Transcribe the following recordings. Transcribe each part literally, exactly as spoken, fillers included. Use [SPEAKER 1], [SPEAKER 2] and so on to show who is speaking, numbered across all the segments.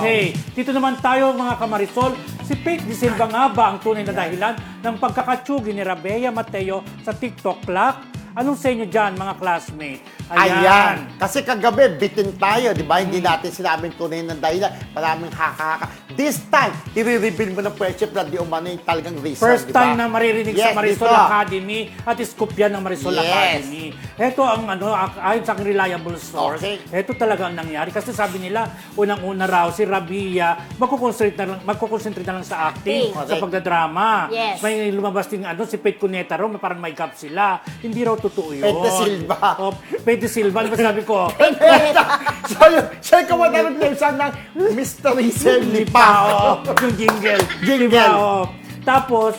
[SPEAKER 1] Okay, dito naman tayo mga kamarisol. Si Faith De Silva nga ba ang tunay na dahilan ng pagkakatsugi ni Rabea Mateo sa TikTok clock? Anong sa inyo dyan, mga classmates?
[SPEAKER 2] Ayan.
[SPEAKER 1] Ayan.
[SPEAKER 2] Kasi kagabi, bitin tayo, di ba? Hindi natin sinabing tunay ng dahilan. Maraming haka-haka. This time, i-reveal mo ng friendship na di umano yung talagang reason,
[SPEAKER 1] First
[SPEAKER 2] di ba?
[SPEAKER 1] time na maririnig
[SPEAKER 2] Yes,
[SPEAKER 1] sa Marisol
[SPEAKER 2] dito.
[SPEAKER 1] Academy at scoop yan ng Marisol
[SPEAKER 2] Yes.
[SPEAKER 1] Academy. Ito ang ano, ak- ayon sa aking reliable source,
[SPEAKER 2] Okay.
[SPEAKER 1] ito talaga ang nangyari. Kasi sabi nila, unang-una raw, si Rabia, magkukonsentrate na lang, magkukonsentrate na lang sa acting,
[SPEAKER 2] Acting.
[SPEAKER 1] sa pagdadrama.
[SPEAKER 3] Yes.
[SPEAKER 1] May lumabas din, ano, si Faith Cuneta raw, parang may gap sila. Hindi raw totoo yun.
[SPEAKER 2] Faith De Silva.
[SPEAKER 1] Oh, Faith De Silva, ano ba sabi ko?
[SPEAKER 2] so, yun, siya yung kumatanong na isang ng Mystery Lipa.
[SPEAKER 1] Oo, yung jingle.
[SPEAKER 2] Jingle.
[SPEAKER 1] Diba? Oo. Tapos,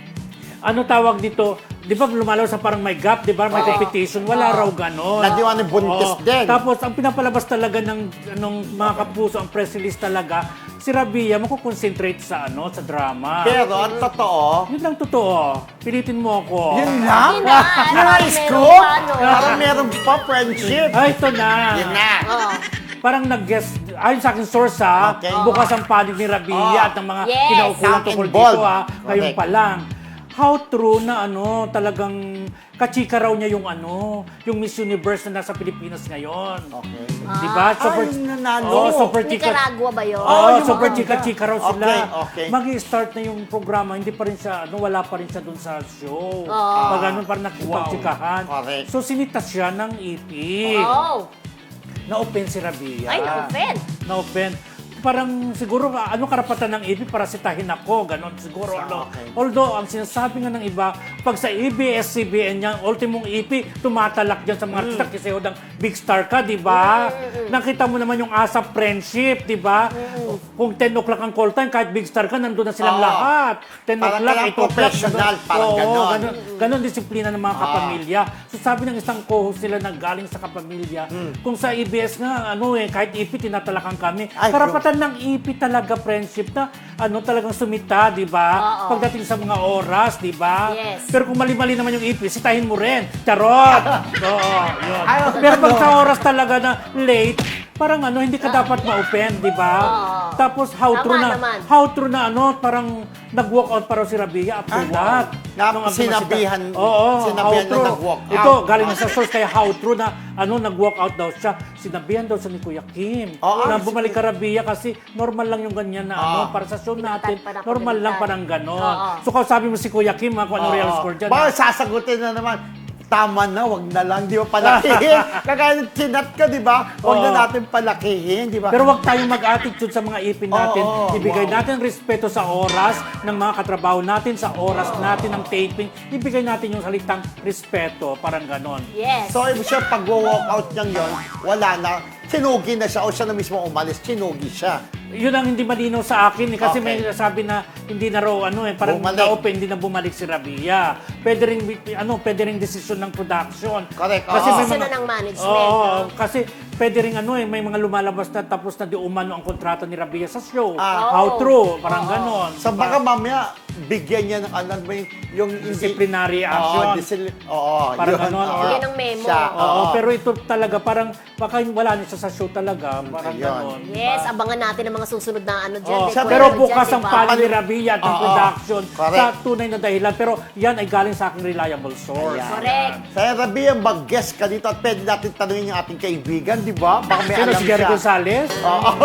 [SPEAKER 1] ano tawag dito? Di ba lumalaw sa parang may gap, di ba? May competition. Wala raw ganon.
[SPEAKER 2] Nadiwan ng buntis
[SPEAKER 1] Oo.
[SPEAKER 2] din.
[SPEAKER 1] Tapos, ang pinapalabas talaga ng anong, mga kapuso, ang press release talaga, si Rabia makukonsentrate sa ano sa drama.
[SPEAKER 2] Pero, ang totoo,
[SPEAKER 1] Yun lang totoo. Pilitin mo ako.
[SPEAKER 2] yun lang?
[SPEAKER 3] Yun na.
[SPEAKER 2] Yung
[SPEAKER 3] Parang
[SPEAKER 2] scoop?
[SPEAKER 3] meron pa, no?
[SPEAKER 2] Parang meron pa friendship.
[SPEAKER 1] Ay, ito na.
[SPEAKER 2] Yun na.
[SPEAKER 3] Oh.
[SPEAKER 1] Parang nag-guess, ayon sa akin source ha,
[SPEAKER 2] Okay.
[SPEAKER 1] bukas ang panig ni Rabia
[SPEAKER 2] Oh.
[SPEAKER 1] at ng mga
[SPEAKER 3] Yes.
[SPEAKER 1] kinaukulan
[SPEAKER 2] Some
[SPEAKER 1] tungkol
[SPEAKER 2] involved.
[SPEAKER 1] dito ha, ngayon
[SPEAKER 2] Correct.
[SPEAKER 1] pa lang. How true na ano, talagang kachika raw niya yung ano, yung Miss Universe na nasa Pilipinas ngayon.
[SPEAKER 2] Okay.
[SPEAKER 1] Di ba?
[SPEAKER 2] Ah, yung nanalo.
[SPEAKER 1] Oh, super chika.
[SPEAKER 3] Nicaragua ba yun?
[SPEAKER 1] Oo,
[SPEAKER 2] Oh, yung
[SPEAKER 1] super
[SPEAKER 2] maganda.
[SPEAKER 1] chika-chika raw sila.
[SPEAKER 2] Okay, okay.
[SPEAKER 1] Mag-i-start na yung programa, hindi pa rin siya, ano, wala pa rin siya dun sa show.
[SPEAKER 3] Oh.
[SPEAKER 1] Pag ganun, parang nakipagchikahan.
[SPEAKER 2] Correct.
[SPEAKER 1] So, sinitas siya ng E P.
[SPEAKER 3] Oh.
[SPEAKER 1] Na-open si Rabia.
[SPEAKER 3] Ay, na-offend.
[SPEAKER 1] Na-open. Parang siguro, ano karapatan ng E P para sitahin ako, ganon siguro. Ano.
[SPEAKER 2] Okay.
[SPEAKER 1] Although, ang sinasabi nga ng iba, pag sa A B S C B N yan, ultimong E P, tumatalak dyan sa mga
[SPEAKER 2] Mm.
[SPEAKER 1] artista kasi hodang big star ka, di ba? Nakita mo naman yung ASAP friendship, di ba? Kung ten o'clock ang call time, kahit big star ka, nandun na silang
[SPEAKER 2] Oo.
[SPEAKER 1] lahat. ten
[SPEAKER 2] Parang
[SPEAKER 1] o'clock,
[SPEAKER 2] kailangan
[SPEAKER 1] eight o'clock.
[SPEAKER 2] professional,
[SPEAKER 1] nandun-
[SPEAKER 2] parang
[SPEAKER 1] Oo,
[SPEAKER 2] ganon.
[SPEAKER 1] ganon. Ganon disiplina ng mga kapamilya. So sabi ng isang co-host nila na galing sa kapamilya, kung sa A B S nga, ano eh, kahit E P, tinatalakan kami.
[SPEAKER 2] Ay,
[SPEAKER 1] Karapatan ng E P talaga friendship na ano talagang sumita, di ba?
[SPEAKER 3] Oo.
[SPEAKER 1] Pagdating sa mga oras, di ba?
[SPEAKER 3] Yes.
[SPEAKER 1] Pero kung mali-mali naman yung E P, sitahin mo rin. Charot! Oo, yun.
[SPEAKER 2] Ay,
[SPEAKER 1] Pero pag
[SPEAKER 2] ano?
[SPEAKER 1] sa oras talaga na late, parang ano, hindi ka dapat ma-open, di ba?
[SPEAKER 3] Oo.
[SPEAKER 1] Tapos how
[SPEAKER 3] Tama
[SPEAKER 1] true na,
[SPEAKER 3] naman.
[SPEAKER 1] how true na ano, parang nag-walk out para si Rabia after
[SPEAKER 2] Ah,
[SPEAKER 1] that.
[SPEAKER 2] na-
[SPEAKER 1] Nung ang
[SPEAKER 2] sinabihan-
[SPEAKER 1] sumasita- Oo,
[SPEAKER 2] sinabihan
[SPEAKER 1] how
[SPEAKER 2] na
[SPEAKER 1] true.
[SPEAKER 2] nag-walk out.
[SPEAKER 1] Ito, galing na sa source, kaya how true na ano, nag-walk out daw siya. Sinabihan daw sa ni Kuya Kim.
[SPEAKER 2] Oo,
[SPEAKER 1] na
[SPEAKER 2] ah,
[SPEAKER 1] bumalik ka Rabia kasi normal lang yung ganyan na ano,
[SPEAKER 2] Ah.
[SPEAKER 1] para sa show natin,
[SPEAKER 3] Pinagtan pa na
[SPEAKER 1] normal lang
[SPEAKER 3] pinagtan.
[SPEAKER 1] parang ganon.
[SPEAKER 3] Oo.
[SPEAKER 1] So, kausapin mo si Kuya Kim, ha, kung ano real
[SPEAKER 2] Oo.
[SPEAKER 1] score dyan.
[SPEAKER 2] Baka
[SPEAKER 1] ha?
[SPEAKER 2] sasagutin na naman, tama na, wag na lang, di ba palakihin? Kagaya ng tinat ka, di ba? Wag na
[SPEAKER 1] Oo.
[SPEAKER 2] natin palakihin, di ba?
[SPEAKER 1] Pero wag tayong mag-attitude sa mga ipin natin.
[SPEAKER 2] Oo,
[SPEAKER 1] Ibigay
[SPEAKER 2] wow.
[SPEAKER 1] natin respeto sa oras ng mga katrabaho natin, sa oras natin ng taping. Ibigay natin yung salitang respeto, parang ganon.
[SPEAKER 3] Yes.
[SPEAKER 2] So, ibig siya, pag-walk out niyang yun, wala na. Sinugi na siya o siya na mismo umalis, sinugi siya.
[SPEAKER 1] Yun ang hindi malinaw sa akin eh, kasi
[SPEAKER 2] Okay.
[SPEAKER 1] may sabi na hindi na raw ano eh parang
[SPEAKER 2] Bumalik.
[SPEAKER 1] na-open, hindi na bumalik si Rabia. Pwede ring ano, pwede ring desisyon ng production.
[SPEAKER 2] Correct.
[SPEAKER 1] Kasi
[SPEAKER 2] Oo.
[SPEAKER 1] may
[SPEAKER 3] Desisyon
[SPEAKER 1] mga
[SPEAKER 3] na ng management,
[SPEAKER 1] Oo,
[SPEAKER 3] no?
[SPEAKER 1] kasi pwede ring ano eh may mga lumalabas na tapos na di umano ang kontrata ni Rabia sa show.
[SPEAKER 2] Ah.
[SPEAKER 1] How
[SPEAKER 3] Oh.
[SPEAKER 1] true, parang ganon.
[SPEAKER 2] So, baka mamaya, bigyan niya ng ano ba yung... yung
[SPEAKER 1] Disciplinary
[SPEAKER 2] Oo,
[SPEAKER 1] action.
[SPEAKER 2] disil- Oo,
[SPEAKER 1] Parang
[SPEAKER 2] yun.
[SPEAKER 1] ganon,
[SPEAKER 2] Oo.
[SPEAKER 1] or-
[SPEAKER 3] Bigyan ng memo.
[SPEAKER 2] Siya,
[SPEAKER 1] Oo, pero ito talaga parang baka wala niya sa show talaga, parang
[SPEAKER 2] Ayun.
[SPEAKER 1] ganon.
[SPEAKER 3] Yes, abangan natin ang mga susunod na ano dyan.
[SPEAKER 1] Oh,
[SPEAKER 3] may
[SPEAKER 2] Siya-
[SPEAKER 3] kwento
[SPEAKER 1] pero
[SPEAKER 3] dyan,
[SPEAKER 1] bukas ang
[SPEAKER 3] diba?
[SPEAKER 1] panig ni Rabia at ng
[SPEAKER 2] Oo.
[SPEAKER 1] production
[SPEAKER 2] Correct.
[SPEAKER 1] sa tunay na dahilan. Pero yan ay galing sa aking reliable source.
[SPEAKER 2] Ayan.
[SPEAKER 3] Correct.
[SPEAKER 2] Saya Rabia, mag-guest ka dito at pwede natin tanungin yung ating kaibigan, di ba? Baka may
[SPEAKER 1] Sino
[SPEAKER 2] alam
[SPEAKER 1] si Gary
[SPEAKER 2] siya.
[SPEAKER 1] Gonzalez?
[SPEAKER 2] Oo.